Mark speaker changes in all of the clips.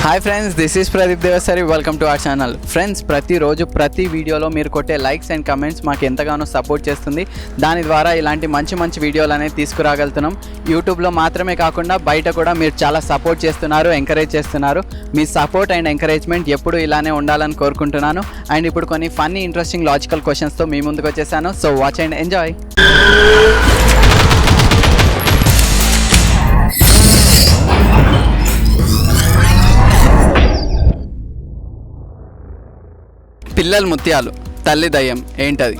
Speaker 1: Hi friends, this is Pradeep Devasari. Welcome to our channel. Friends, ప్రతిరోజు ప్రతి వీడియోలో మీరు కొట్టే లైక్స్ అండ్ కమెంట్స్ మాకు ఎంతగానో సపోర్ట్ చేస్తుంది. దాని ద్వారా ఇలాంటి మంచి వీడియోలు అనేది తీసుకురాగలుగుతున్నాం. యూట్యూబ్లో మాత్రమే కాకుండా బయట కూడా మీరు చాలా సపోర్ట్ చేస్తున్నారు, ఎంకరేజ్ చేస్తున్నారు. మీ సపోర్ట్ అండ్ ఎంకరేజ్మెంట్ ఎప్పుడు ఇలానే ఉండాలని కోరుకుంటున్నాను. అండ్ ఇప్పుడు కొన్ని ఫన్నీ, ఇంట్రెస్టింగ్, లాజికల్ క్వశ్చన్స్తో మీ ముందుకు వచ్చేసాను. So watch and enjoy. పిల్లలు ముత్యాలు, తల్లి దయ్యం, ఏంటది?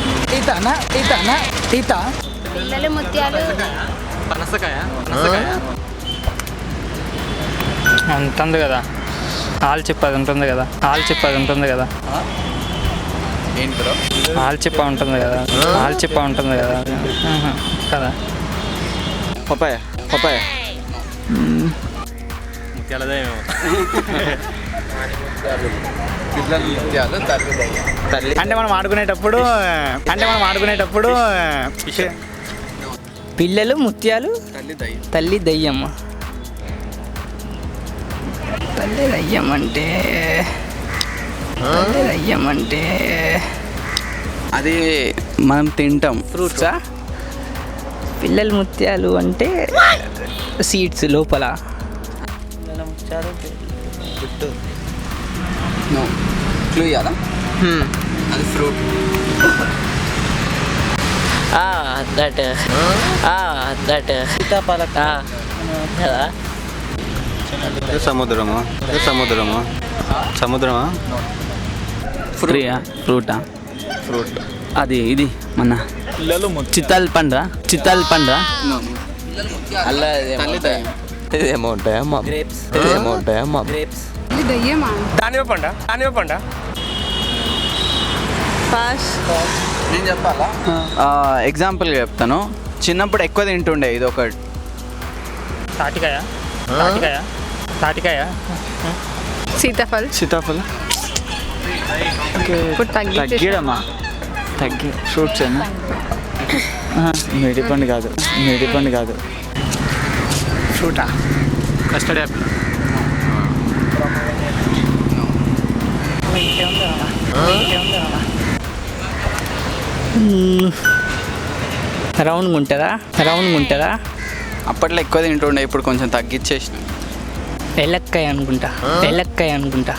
Speaker 2: పిల్లలు ముత్యాలు
Speaker 3: ఉంటుంది కదా, ఆలు చిప్ప అది ఉంటుంది కదా, ఆలు చిప్ప అది ఉంటుంది కదా,
Speaker 1: ఏంటి బ్రో?
Speaker 3: ఆలు చిప్ప ఉంటుంది కదా, ఆలు చిప్ప ఉంటుంది కదా కదా.
Speaker 4: పపాయ పపాయ
Speaker 1: పిల్లలు ముత్యాలు, తల్లి దయ్యం.
Speaker 4: తల్లి
Speaker 3: అంటే మనం ఆడుకునేటప్పుడు పిల్లలు ముత్యాలు,
Speaker 1: తల్లి దయ్యం.
Speaker 3: తల్లి దయ్యం. తల్లి దయ్యం అంటే
Speaker 1: అది మనం తింటాం.
Speaker 3: ఫ్రూట్సా? పిల్లలు ముత్యాలు అంటే సీడ్స్ లోపల.
Speaker 1: నో క్లూ ఇవ్వాలా? అది ఫ్రూట్.
Speaker 4: సముద్రము సముద్రమా
Speaker 1: ఫ్రూటా?
Speaker 4: ఫ్రూట్
Speaker 1: అది ఇది మన చిత్తల్ పండ్రా.
Speaker 4: అలా
Speaker 1: తల్లి దయ్యం.
Speaker 4: ఇదేమో ఉంటాయమ్మా, ఇదేమో ఉంటాయమ్మా.
Speaker 3: దానివ పండ
Speaker 1: నేను చెప్పాలా? ఎగ్జాంపుల్గా చెప్తాను. చిన్నప్పుడు ఎక్కువ తింటుండే ఇది ఒకటి.
Speaker 3: తాటికాయ
Speaker 2: సీతాఫల్ ఇప్పుడు
Speaker 3: తగ్గిడమ్మా, ఫ్రూట్స్ ఏనా? మేడిపండు కాదు. ఫ్రూటా?
Speaker 1: Custard apple.
Speaker 3: రౌండ్గా ఉంటుందా?
Speaker 1: అప్పట్లో ఎక్కువ తింటుండే, ఇప్పుడు కొంచెం తగ్గించేసిన.
Speaker 3: ఎలక్కాయ అనుకుంటా.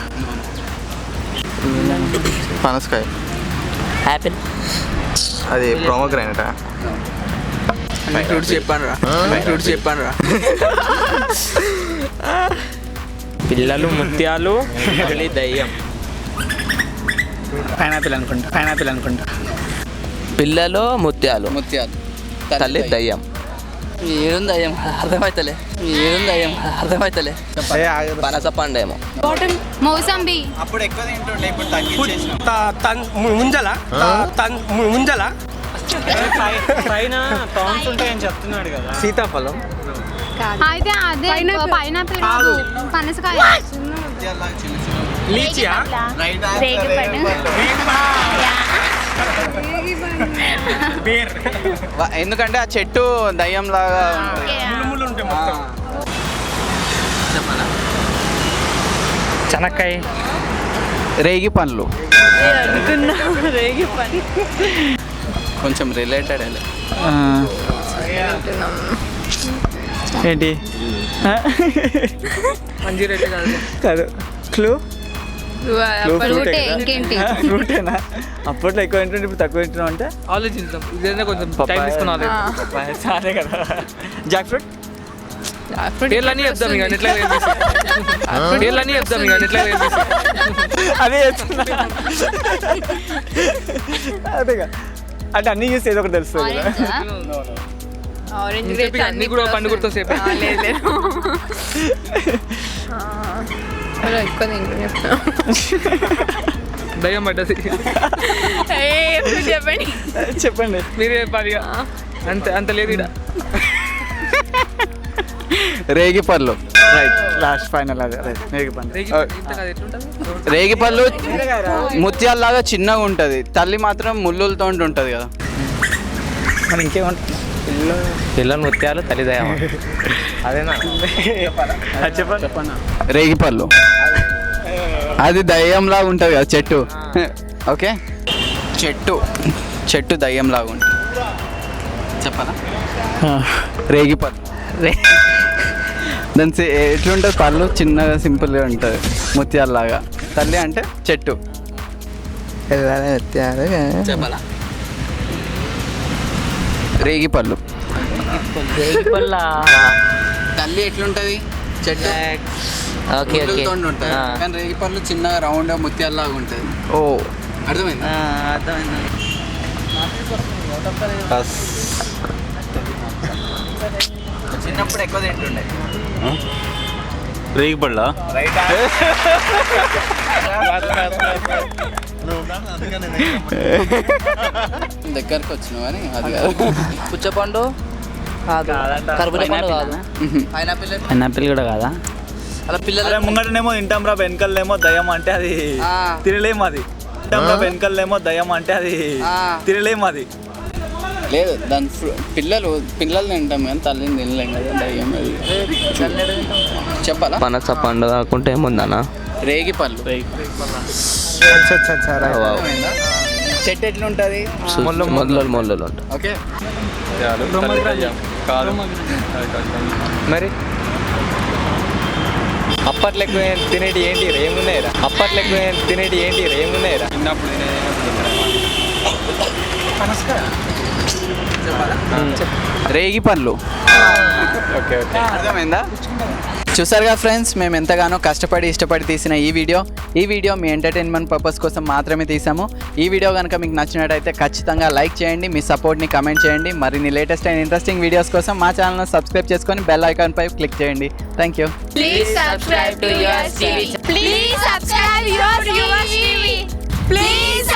Speaker 4: పనసకాయ.
Speaker 3: యాపిల్.
Speaker 4: అది ప్రోమోగ్రానేటా?
Speaker 1: ఫ్రూట్స్ చెప్పాను రా.
Speaker 3: పిల్లలు ముత్యాలు, తల్లి దయ్యం. పైనాపిల్ అనుకుంటా.
Speaker 4: పిల్లలు ముత్యాలు, తల్లి దయ్యం.
Speaker 1: ఏడుంది దయ్యం అర్థమైతలే.
Speaker 4: పనస పండేమో.
Speaker 2: మౌసంబి.
Speaker 1: అప్పుడు ఎక్కువ తింటుండే, ఇప్పుడు తగ్గించేసిన.
Speaker 3: ముంజల పైన థాన్స్ ఉంటాయని చెప్తున్నాడు కదా. సీతాఫలం
Speaker 2: అయితే అదే పైనాపిల్ పనసకాయ.
Speaker 3: లీచియా?
Speaker 1: ఎందుకంటే ఆ చెట్టు దయ్యం లాగా
Speaker 3: చెనక్కాయ.
Speaker 1: రేగి పండ్లు. కొంచెం రిలేటెడ్.
Speaker 3: ఏంటి? కాదు.
Speaker 2: ఇంకేంటి?
Speaker 3: ఫ్రూటేనా? అప్పట్లో ఎక్కువ తింటుంటే ఇప్పుడు తక్కువ తింటున్నాం అంటే ఆలోచిద్దాం. ఇదైనా కొంచెం టైం తీసుకున్నాను. అదే కదా. Jack fruit. పేర్లన్నీ చెప్తాం ఇక ఎట్లా అదే చెప్తున్నా. అదేగా, అంటే అన్నీ చూస్తే ఏదో ఒకటి తెలుస్తుంది. అన్ని కూడా పండు గుర్తు సేపు
Speaker 2: ఎక్కువ
Speaker 3: దయ్యం పడ్డది. చెప్పండి మీరే పదిగా. అంత లేదు ఇక్కడ.
Speaker 1: రేగి పళ్ళు.
Speaker 3: Right, last final. అదే
Speaker 1: రేగి పళ్ళు ముత్యాలలాగా చిన్నగా ఉంటుంది, తల్లి మాత్రం ముళ్ళులతో ఉంటుంది కదా.
Speaker 3: మరి ఇంకేమంటుంది?
Speaker 4: పిల్లలు ముత్యాలు, తల్లి దయ్యం.
Speaker 3: అదేనా చెప్పండి.
Speaker 1: రేగిపళ్ళు. అది దయ్యంలా ఉంటుంది కదా చెట్టు. ఓకే, చెట్టు దయ్యంలాగా ఉంటుంది. చెప్పనా? రేగిపళ్ళు. దాని ఎట్లుంటుంది? పళ్ళు చిన్నగా సింపుల్గా ఉంటుంది, ముత్యాలలాగా. తల్లి అంటే చెట్టు. చెప్పాలా? రేగిపళ్ళు. తల్లి ఎట్లుంటుంది? చెట్టు ముళ్ళుతోని ఉంటుంది, కానీ రేగిపళ్ళు చిన్నగా రౌండ్ ముత్యాలలాగా ఉంటుంది. ఓ, అర్థమైందా? చిన్నప్పుడు ఎక్కువ తింటుండే.
Speaker 5: రేగిపళ్ళ
Speaker 1: దగ్గరకు వచ్చినావు అని అది కాదు.
Speaker 6: పుచ్చపండు కాదు, కర్బూజా పండు కాదు, పైనాపిల్ కూడా కాదా? అలా పిల్లలు
Speaker 3: ముంగటనేమో తింటాం రా, వెనకలేమో దయ్యం అంటే అది తినలేము. అది తింటాం రా, వెనకలేమో దయ్యం అంటే అది తినలేము. అది
Speaker 1: లేదు, దాని పిల్లలు తింటాం కానీ తల్లిని తినలేం కదా. దయ్యం అది చెప్పాలా?
Speaker 4: పనస పండు కాకుంటే ఏముందన్నా?
Speaker 1: రేగిపళ్ళు. చెట్టు ఎట్లుంటుంది?
Speaker 4: మొల్లలు ఉంటాయి.
Speaker 1: ఓకే,
Speaker 3: మరి అప్పట్లో ఎక్కువ తినేటి ఏంటి ఏమున్నాయిరా? చిన్నప్పుడు
Speaker 1: రేగిపళ్ళు.
Speaker 3: ఓకే ఓకే,
Speaker 1: అర్థమైందా? చూసారుగా ఫ్రెండ్స్, మేము ఎంతగానో కష్టపడి ఇష్టపడి తీసిన ఈ వీడియో మీ ఎంటర్టైన్మెంట్ పర్పస్ కోసం మాత్రమే తీసాము. ఈ వీడియో కనుక మీకు నచ్చినట్టయితే ఖచ్చితంగా లైక్ చేయండి, మీ సపోర్ట్ని కమెంట్ చేయండి. మరిన్ని లేటెస్ట్ అండ్ ఇంట్రెస్టింగ్ వీడియోస్ కోసం మా ఛానల్ని సబ్స్క్రైబ్ చేసుకొని బెల్ ఐకాన్ పై క్లిక్ చేయండి. Thank you.
Speaker 2: Please subscribe to Yours TV. Please subscribe Yours TV. Please